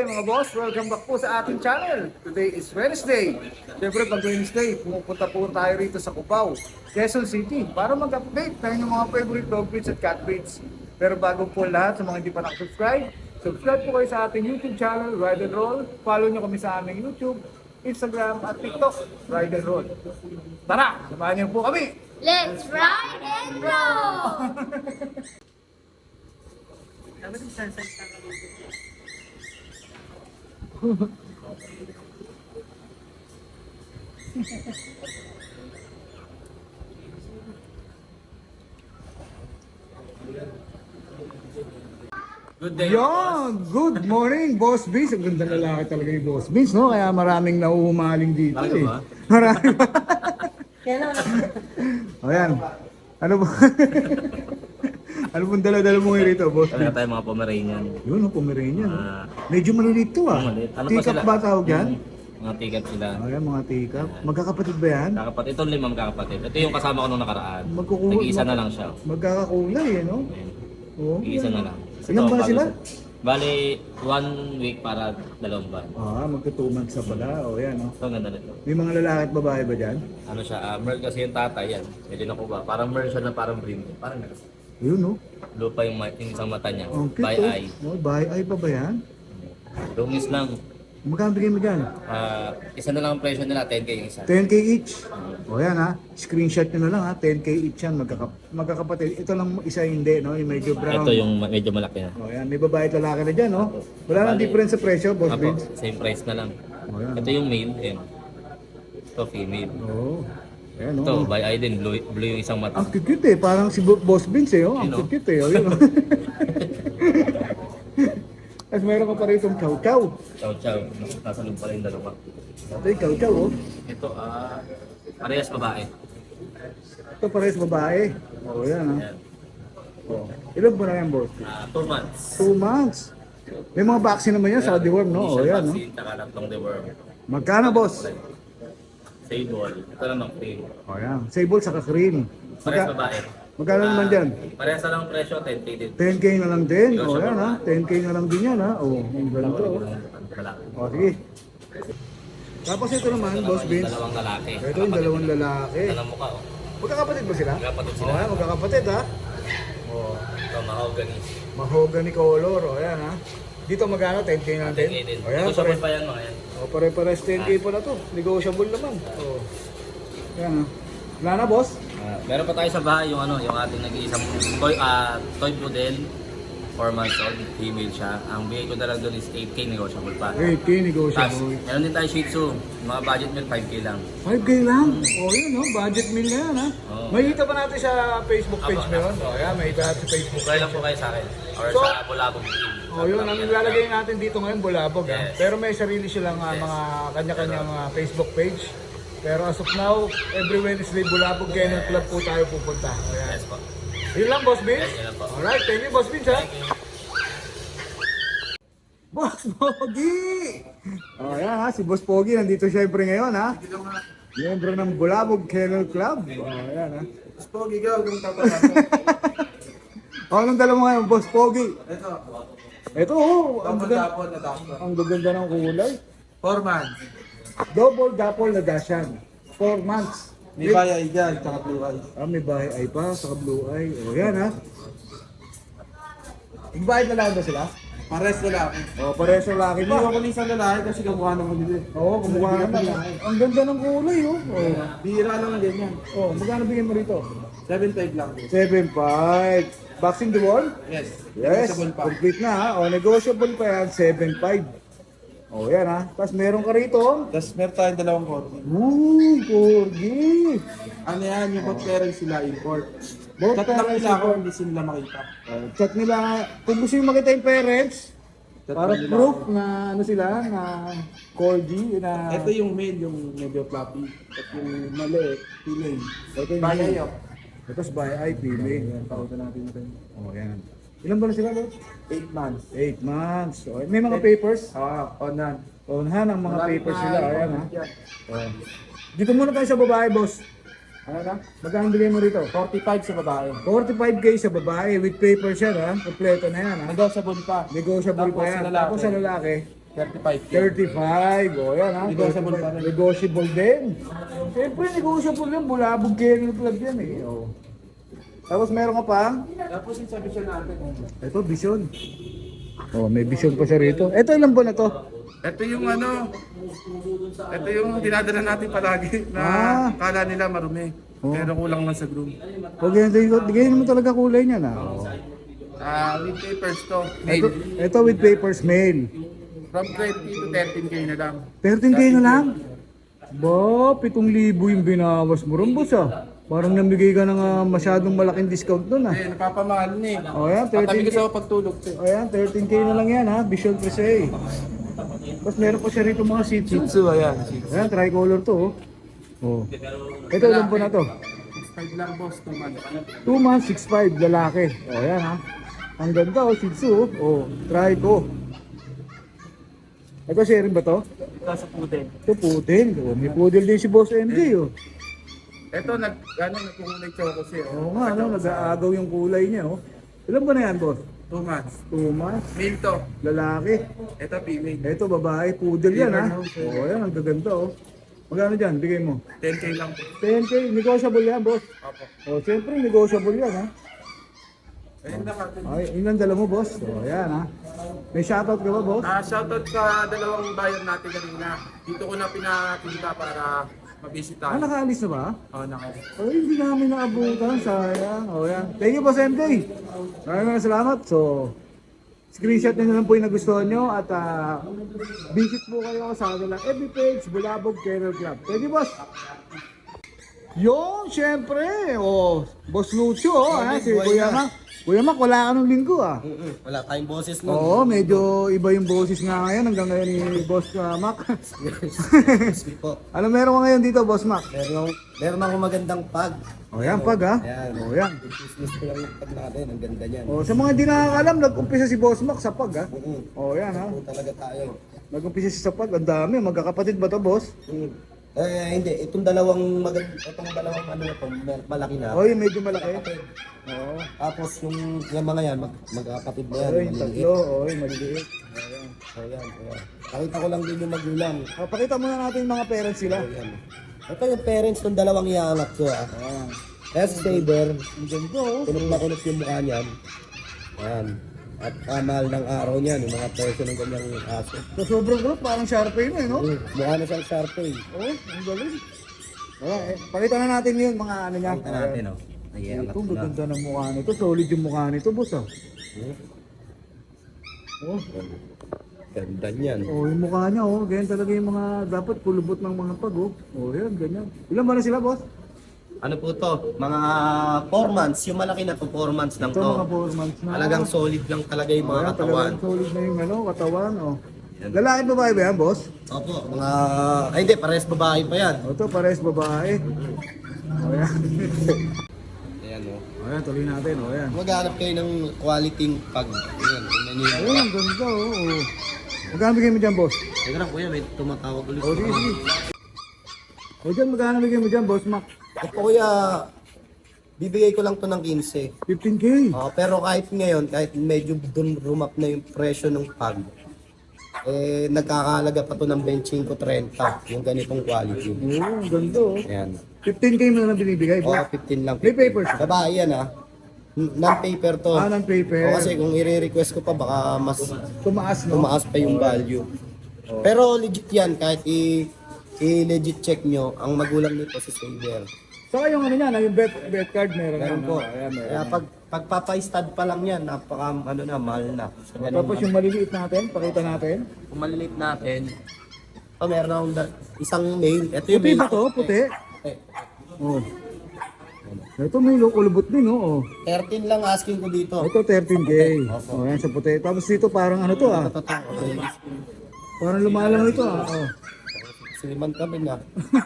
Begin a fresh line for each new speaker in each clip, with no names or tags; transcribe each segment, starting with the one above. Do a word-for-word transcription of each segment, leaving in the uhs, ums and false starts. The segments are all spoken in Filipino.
mga boss, welcome back po sa ating channel. Today is Wednesday. Siyempre pag Wednesday, pumupunta po tayo rito sa Cubao, Quezon City para mag-update tayo ng mga favorite dog breeds at cat breeds. Pero bago po lahat, sa mga hindi pa nakasubscribe, subscribe po kayo sa ating YouTube channel, Ride and Roll. Follow nyo kami sa aming YouTube, Instagram at TikTok, Ride and Roll. Tara, samahan niyo po kami!
Let's ride and roll!
Good day.
Yon! Good morning, Boss Vince. Ang ganda lalaki talaga ni Boss Vince, no? Kaya maraming nauhumaling dito
Bakit
eh.
ba?
Marami ba? O yan. Ano ba? Ano pong dala-dala mo ngayon rito, Boss
Talaga
Vince?
tayo mga Pomeranian.
Yun, oh, Pomeranian. no?
Ah,
Medyo maliliit to ah.
maliit. Ano pa
Teacup
sila?
ba tawag yan?
Mm, mga tikap sila.
O yan, mga teacup. Magkakapatid ba yan?
Kakapatid. Ito lima magkakapatid. Ito yung kasama ko nung nakaraan.
Magkukuha.
Nag-iisa na lang siya.
Magkakakulay eh, no?
Ayan.
Oo.
Nag-iisa na lang.
Ilan ba
bago
sila?
sa- Bali, one week para dalawang buwan.
Ah, magka-two months na pala. O yan, no?
Ito, ang ganda nito.
May mga lalaki at babae ba dyan?
Ano siya, uh, Merl kasi yung tatay yan. Medyo nakuha. Parang Merl siya na parang brim. Parang gano'n.
Yun, no?
Lupa yung, ma- yung isang mata niya.
Ang cute,
By
oh.
eye.
Oh, by eye pa ba yan?
Lungis lang.
Magkano bigyan mo dyan?
Ah, isa na lang ang presyo nila, ten K yung isa.
ten K each. O yan ha, screenshot nyo na lang ha, ten K each yan, magkaka magkakapatid. Ito lang isa hindi, no? Yung medyo brown.
Ito yung ma- medyo malaki na.
O yan, may babae at lalaki na dyan, no? Wala nang
Bali.
difference sa presyo, Boss
Apo,
Vince.
same price na lang.
O yan.
Ito yung male, and ito female.
Oo. Ayan, no?
Ito, by eye din, blue, blue yung isang mata.
Ang cute eh, parang si Bo- Boss Vince eh, oh. Ang
Yun, oh.
cute eh, oh. Yun, oh. Tapos meron ka pa rito chow chow.
Chow chow, nasa loob pala yung dalawa.
Ito yung chow chow, oh.
Ito, ah, parehas babae.
Ito parehas babae. O yan ha.
Ayan.
Oh. Ilan ba na yan, Boss?
Ah, two months.
Two months. May mga vaccine naman yan sa deworm, no? O
Initial
yan, no?
vaccine, tsaka tatlong deworm.
Magkano, Boss?
Sable. Ito naman cream.
O yan. Sable sa cream.
Parehas
Magka
babae.
magkano naman
Ah,
dyan?
Parehas na lang ang presyo, ten K din.
ten K na lang din. O
Negotiable
yan ha.
pa.
ten K na lang din yan ha. O, ang ganda o.
Lalaki.
O, sige. Tapos ito naman,
Ito
Boss
naman yung
Vince.
dalawang lalaki.
Ito yung dalawang lalaki.
Dalawang mukha, oh.
Magkakapatid ba sila?
Magkakapatid
O
sila.
yan, magkakapatid ha. O,
Ito, mahogany.
mahogany color. O yan ha. Dito magkano? ten K na lang
ten K
din.
din.
O yan,
Negotiable
pare-
pa yan mga yan.
o pare-pares ten K pa na to. Negotiable naman. O. Yan ha. Wala na, Boss?
Ah, meron pa tayo sa bahay yung ano, yung ating nag-iisang toy ah toy poodle, four months old, female siya. Ang bigay ko na lang doon is eight K negotiable pa.
eight K
Tapos,
negotiable.
meron din tayo Shih Tzu, mga budget meal five K lang.
five K lang? O yun, no? Budget meal na yan, ha?
Oo.
Makikita pa natin sa Facebook page
Apo,
mo yun. O yan, makikita natin sa Facebook
Try lang po kayo sa akin. Or
So,
sa Bulabog Team.
O yun, ang ilalagay natin dito ngayon, Bulabog, ha?
Yes.
Pero may sarili silang ah,
Yes.
mga kanya-kanyang ah, Facebook page. Pero as of now, every Wednesday, Bulabog Kennel Club po tayo pupunta. O yan.
Yes po.
Yun lang, Boss Vince.
Yes, yun lang po.
Alright, thank you, Boss Vince, ha? Boss Pogi! O yan, ha? Si Boss Pogi, nandito syempre ngayon, ha? Miyembro ng Bulabog Kennel Club. O yan, ha?
Mas pogi ka, huwag kang tapalan.
O, anong dala mo ngayon, Boss Pogi?
Ito,
Ito, oh, ang
double
ganda,
dapon na doctor.
ang gaganda ng kulay.
Four months.
Double dapol na dasyan. Four months.
May bayay dyan, tsaka blue eyes.
Ah, may bahay ay pa, saka blue eye. O, yan ha. Ibayad na lang ba sila?
Pares lalaki.
O, parehas sa laki
Hindi
pa.
ako ni isang lalaki kasi kamukha naman nila. eh.
Oo, kumuha naman. Ang ganda ng kulay, oh. O,
Bihira lang ang ganyan.
oh, magkano bigyan mo rito?
seven five lang.
seven five. Vaccine the wall?
Yes.
Yes,
Negotiable pa.
complete na ha. O, negotiable pa yan, seven five. O, yan ha. Tapos meron ka rito.
Tapos meron tayong dalawang korte.
Uy, corgi.
Ano yan, yung both parents sila import.
Both
Chat lang
parents
nila ako,
import.
hindi sila makita.
Uh, chat nila, kung gusto nyo makita yung parents,
Chat
para
lang nila
proof
ako.
na ano sila, na corgi, na...
Ito yung male, yung medyo floppy. At yung mali, female.
Ito yung
Bayay yun.
Tapos by eye, female. Yan, pauta natin ito. Oh, yan. Ilan ba na sila, Lord?
eight months.
Eight months. Oh, may mga papers?
Ah, onan.
Onhan ang mga
Malapit
papers
na
nila.
yung
Ayan, ha?
yan.
Oh. Dito muna tayo sa babae, boss. Ano na? Magkano bigay mo rito?
forty-five sa babae.
forty-five K sa babae with papers yan, ha? Kompleto na yan, ha?
Negotiable pa.
Negotiable
Tapos
pa yan.
sa lalaki.
Tapos sa lalaki,
thirty-five K.
thirty-five. O yan ha.
Negotiable pa rin.
Negotiable din. Siyempre, negotiable yan. Bulabog kennel club yan eh. O. Tapos meron ka pa?
Tapos yung sa vision natin.
Ito, vision. Oh, may vision pa siya rito. Ito, ilang buwan na to?
Ito yung ano, ito yung dinadala natin palagi na
Ah.
kala nila marumi.
Oh.
Pero kulang lang sa groom.
O, ganyan, ganyan mo talaga kulay niya na. Oh.
Ah, with papers to.
Ito,
Made.
ito with papers mail.
From twenty to thirteen K na lang.
thirteen K na lang? Ba, pitong libo yung binawas mo rin, boss ah. Parang namigay ka ng ah, masyadong malaking discount doon ah.
Eh, napapamahal na eh.
O yan,
Patabi
thirteen
ko
K.
sa pagtulog to.
O yan, thirteen K na lang yan ha, Visual Prese. Tapos meron pa siya rito mga seats.
Shih ayan.
Ayan, tricolor to oh. Oh. Ito, ilan po na to?
Five lang boss, two months.
two months, six five, lalaki. O yan ha. Ang ganda oh, Shih Tzu oh. Oh, trico. Ito, sharing ba to?
Ito sa pudel.
Ito, poodle. Oh, may poodle din si Boss M J oh.
Ito, nag, ano, nagkukulay choco siya.
Oo nga, no, nag-aagaw yung kulay niya oh. Ilan ba na yan, boss?
Two months.
two months,
Male to.
lalaki.
Ito, female.
Ito, babae, poodle yan ha.
Liver
Oo, oh, yan, ang gaganda oh. Magkano dyan? Bigay mo.
ten K lang po.
ten K, negotiable yan, boss.
Opo.
O, siyempre, negotiable yan, ha?
Ayun na natin.
Ay, yun ang dala mo, boss. O, yan, ha? May shoutout ka ba, boss?
Ah, shoutout sa dalawang bayan natin kanina. Dito ko na pinapunta para mabisita.
Ah, nakaalis na ba?
Oh, naka.
O, hindi namin naabutan, sayang. O, yan. Thank you, boss M J. Maraming maraming salamat. So, screenshot nyo na lang po yung nagustuhan nyo at ah, visit po kayo sa kanilang F B page, Bulabog Kennel Club. Thank you, boss. Yung, syempre, oh, Boss Lucio, oh, ha, si Kuya Mac. Kuya Mac, wala ka nung linggo, ah.
Wala tayong boses nun.
Oo, medyo iba yung boses nga ngayon hanggang ngayon ni Boss uh, Mac.
po.
Ano meron ka ngayon dito, Boss Mac?
Meron, meron akong magandang pag.
O yan, pag ha?
Ayan.
O yan.
Business ko lang yung pag natin. Ang ganda niyan.
O, sa mga di nakakalam, nag-umpisa si Boss Mac sa pag ha?
Mm.
O yan ha?
Po talaga tayo.
Nag-umpisa siya sa pag, ang dami. Magkakapatid ba to, Boss?
Mm. Eh, hindi. Itong dalawang mag itong dalawang ano na to, mal- malaki na.
O, yung medyo malaki.
Kapatid.
Oo.
Tapos yung, yung mga yan, mag, magkakapatid na yan.
O, yung tatlo. O, yung maliliit. O, yan.
Ayan, ayan. Pakita ko lang din yung magulang.
O, pakita muna natin yung mga parents sila.
Ayan. Ito yung parents ng dalawang iangat ko ah.
Ayan.
Kaya si Saber,
Ang ganda oh.
kunot na kunot yung mukha niyan. Ayan. At kamal ng araw niyan, yung mga presyo ng ganyang aso.
So, sobrang gulot, parang Sharpay na eh, no?
Mm, mukha na siyang Sharpay.
Oo, ang galing. Wala, eh, pakita na natin yun, mga ano niya.
Pakita natin, oh. Ayan,
Ito, gaganda ng mukha nito. Solid yung mukha nito, boss ah. Oh,
Ganda niyan.
oh, yung mukha niya, oh. Ganyan talaga yung mga, dapat kulubot ng mga pag, oh. Oh, yan, ganyan. Ilan ba na sila, boss?
Ano po to? Mga four months. Yung malaki na to, four months lang
Ito, mga
to.
four months na.
Talagang solid lang talaga yung mga
Ayan,
katawan.
talagang solid na yung ano, katawan, oh. Lalaki babae ba yan, boss?
Opo, mga... Ay hindi, parehas babae pa yan.
O, ito, pares babae. O, yan.
Ayan o.
O, yan, tuloy natin, o, yan.
Maghanap kayo ng quality pag... Ayan, tingnan nyo yung...
Ayun, ang ganda, oh. oh. Magkano bigay mo dyan, boss?
Teka lang kuya, may tumatawag ulit.
O, sige, sige. O, dyan, magkano bigay mo dyan, boss Mac?
Ito kuya, bibigay ko lang to ng fifteen
fifteen K.
Oh, pero kahit ngayon, kahit medyo dun rumap na yung presyo ng pag, eh nagkakahalaga pa to ng twenty-five thirty, yung ganitong quality.
Oo, ang ganda, oh.
Ayan.
fifteen K mo na binibigay,
Oh,
boss?
fifteen lang.
May papers?
Babae yan ah. Non-paper to.
Ah, ng paper.
O, kasi kung i-request ko pa, baka mas
Tumaas, no?
tumaas pa yung value. Pero legit yan, kahit i- i-legit check nyo, ang magulang nito si Saver.
Saka yung ano niya, na yung bet, bet card meron.
Ganun
yan,
po.
no? Ayan, meron.
Kaya pag pagpapa-stud pa lang yan, napaka ano na, mahal na. So, ganun
Tapos yung maliliit natin, pakita natin.
kung maliliit natin, oh, meron akong da- isang male. Ito yung
Puti
male.
ba to? Puti?
Puti.
Oh. Ito may kulubot din, no? Oh.
thirteen lang asking ko dito.
Ito thirteen K. Oh, yan sa puti. Tapos dito parang ano to ah.
Ito, ito, okay.
Parang lumalang ito ah. Oh.
Siliman kami na.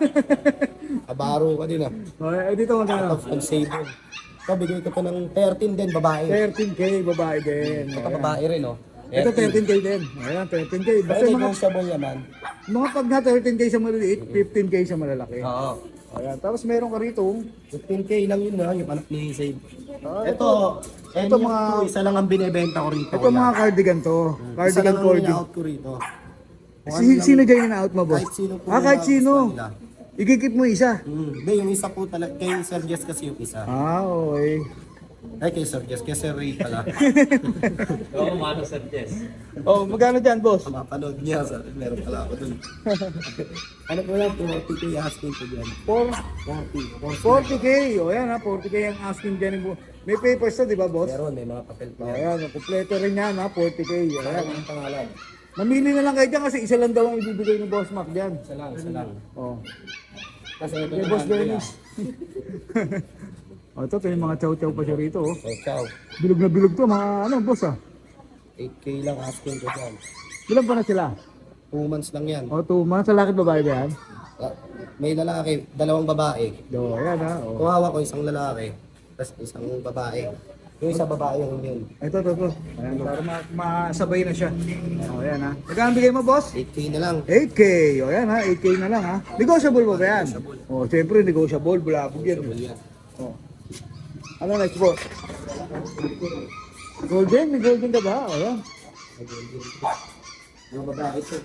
Abaro ka din ah.
Oh, eh, dito magkano?
Out of saver. Ito, bigay ko to ng thirteen din, babae.
thirteen K babae din.
Ito,
Ayan.
babae rin, oh.
Ito thirteen K din. Ayan, thirteen K. Basta
Pero
mga,
negotiable naman.
mga pag na thirteen K sa maliliit, fifteen K sa malalaki.
Oo.
Ayan. Tapos meron ka rito.
fifteen K lang yun na, yung anak ni Save.
Ah,
Ito,
ito
ito
mga-
mga... Isa lang ang binibenta ko rito.
Ito mga cardigan to.
Isa
Cardigan
lang ang
corgi.
out ko rito.
Si, sino dyan in-out mo, boss?
Kahit sino po
Ah, kahit
yung
sino.
gusto nila.
Ikikip mo isa.
Hmm. Hindi, yung isa po talaga, kay Sir Jess kasi yung isa.
Ah, okay.
Ay, kay Sir Jess, kay Sir Ray pala.
Oo, mano Sir Jess.
Oh, magkano dyan, boss?
Mapanood niya, sir. Meron pala ako dun. Ano po lang, forty K asking ko dyan.
four
forty.
forty K. O yan ha, forty K ang asking dyan. May papers na, di ba, boss?
Meron, may mga papel pa.
O yan, kompleto rin yan ha, forty K.
Ayan
Ayan.
ang pangalan.
Mamili na lang kayo dyan kasi isa lang daw ang ibibigay ni Boss Mac dyan.
Isa lang, isa lang.
Oh.
Kasi ito
Kay Boss Dennis. O ito, ito yung mga chow-chow pa siya rito. Oh.
So, ciao.
Bilog na bilog to, mga ano, boss ah.
eight K lang asking ko dyan.
Bilang pa na sila?
Two months lang yan.
O, two months. Lalaki at babae ba yan?
Ah, May lalaki, dalawang babae.
Do, ayan ha. O.
Kung hawak ko isang lalaki, tapos isang babae. Yung isa babae yung yun.
Ito, ito, ito. Ayan, para ma masabay na siya. O, ayan ha. Magkano bigay mo, boss?
eight K na lang.
eight K. O, ayan ha. eight K na lang ha. Negotiable ba ba yan? O, siyempre, negotiable. Bulabog yan. O. Ano next, boss? Golden? May golden ka ba? O, ayan.
Yung babae ito.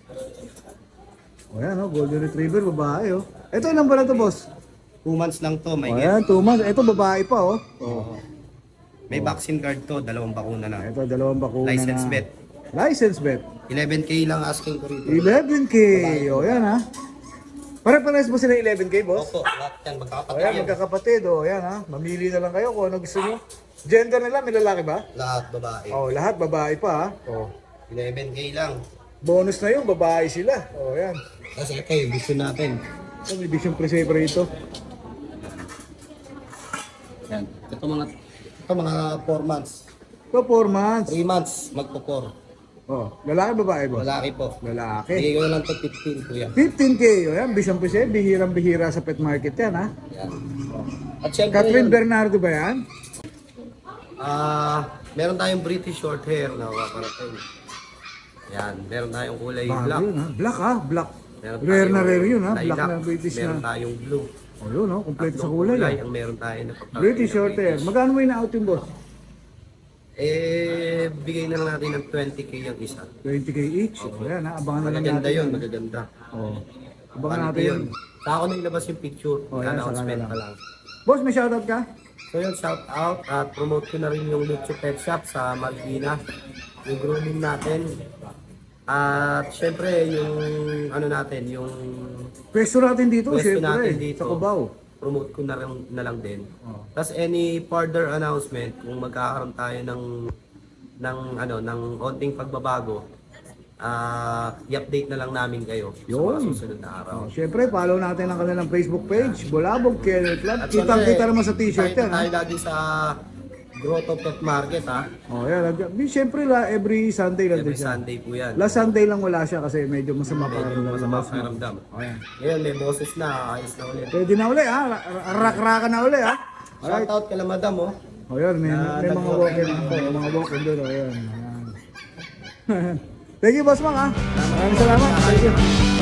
O, ayan o. Golden Retriever, babae o. Ito, ilan ba na to, boss?
Two months lang to, may
O,
get.
ayan, two months. Ito, babae pa o.
Oo. May vaccine card to, dalawang bakuna na.
Ito, dalawang bakuna
License
na.
bet.
License bet.
eleven K lang asking ko rito.
eleven K. O, yan ha. Pare-pares mo sila eleven K, boss?
Opo, lahat yan,
O,
magkakapatid
yan,
yan.
magkakapatid. O, yan ha. Mamili na lang kayo kung ano gusto nyo. Gender nila, may lalaki ba?
Lahat babae.
O, lahat babae pa ha. O,
eleven K lang.
bonus na yun, babae sila. O, yan.
Kasi ito yung vision natin.
Ito, may vision presaver ito.
Yan. Ito mga, ito mga four months.
Ito, four months.
three months, magpo four.
O, lalaki, babae, boss?
Lalaki po.
Lalaki.
Bigay ko na lang to fifteen ko yan.
fifteen K. O, yan, vision presaver. Bihirang-bihira sa pet market yan ha.
Yan. At syempre
Catherine
yun,
Bernardo ba yan?
ah, meron tayong British short hair na paparating. Yan, meron tayong kulay
Bago
black.
yun ha. Black ha, black.
Meron
Rare na
tayong
rare yun ha. Black
lilac.
na British
Meron
na.
tayong blue.
O yun ha, kompleto sa
Tatlong
kulay ha.
ang meron tayo na paparating
British
na
short hair.
British.
Magkano mo ina-out yung boss?
Eh, bigay na lang natin ng twenty K yung isa.
twenty K each. O yan ha, abangan na lang
Magaganda
natin.
yun, magaganda.
O. Abangan
Quality
natin yun.
Sa ako na ilabas yung picture,
Oh, yan,
announcement
saka na
pa
lang.
lang.
Boss, may shoutout ka?
So yun, shout out at promote ko na rin yung Lucho Pet Shop sa Marikina. Yung grooming natin. At syempre yung ano natin, yung
Pwesto natin dito,
pwesto
syempre.
natin dito.
Sa Cubao.
Promote ko na lang, na lang din.
Oh.
Tapos any further announcement kung magkakaroon tayo ng ng ano ng onting pagbabago, ah i-update na lang namin kayo sa mga
Yun.
susunod na araw.
O, syempre, follow natin ang kanilang Facebook page, Bulabog Kennel Club.
At
Kitang-kita
syempre,
naman sa t-shirt
tayo-
yan ha.
Tayo lagi sa Grotto Pet Market ha.
O yan, nag- syempre la, every Sunday lang
Every
din siya.
Sunday po yan.
Last Sunday lang wala siya kasi medyo masama pa
Medyo
rin.
masama sa karamdam.
O yan.
Ngayon may boses na, ayos na ulit.
Pwede na uli ha, rak-raka na uli ha. Alright.
Shout out kala madam oh.
O yan, may,
Na
may mga
nag-walk-in
walk-in ako, mga walk-in doon. O yan. Ayan. Thank you, Boss Mang ha. Maraming salamat. Thank you.